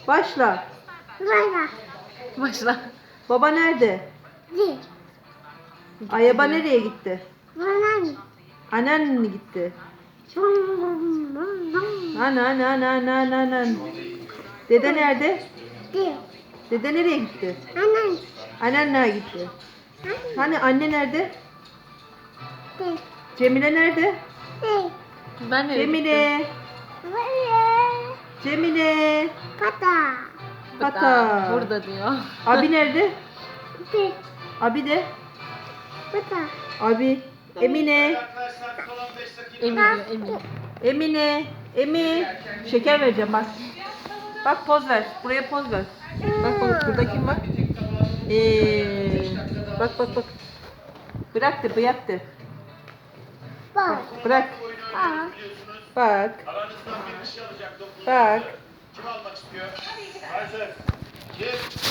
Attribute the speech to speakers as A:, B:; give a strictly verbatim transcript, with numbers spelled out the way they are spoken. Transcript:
A: Başla.
B: Bana.
C: Başla.
A: Baba nerede?
B: Di.
A: Ayaba nereye gitti?
B: Bana.
A: Annen mi gitti?
B: Bum bum bum bum.
A: Ana ana ana ana ana ana. Dede nerede?
B: Di.
A: Dede nereye gitti?
B: Anan.
A: Annen nereye gitti? Hani anne nerede?
B: Di.
A: Cemile nerede?
B: Di.
C: Ben nereye gittim?
A: Cemile.
B: Böyle.
A: Cemile.
B: Pata.
A: Pata.
C: Burada diyor.
A: Abi nerede?
B: Di.
A: Abi de.
B: Pata.
A: Abi. Emine.
C: Emin diyor Emin.
A: Emine. Emi. Şeker vereceğim bak. Bak poz ver. Buraya poz ver. Bak bak burada kim var? Ee, bak bak bak. Bıraktı bıraktı.
B: Bak.
A: Bırak.
B: Bak.
A: Bak.
D: Aranızdan bir kişi alacak dokuz.
A: Bak.
D: Kim almak istiyor? Hazır. Kim?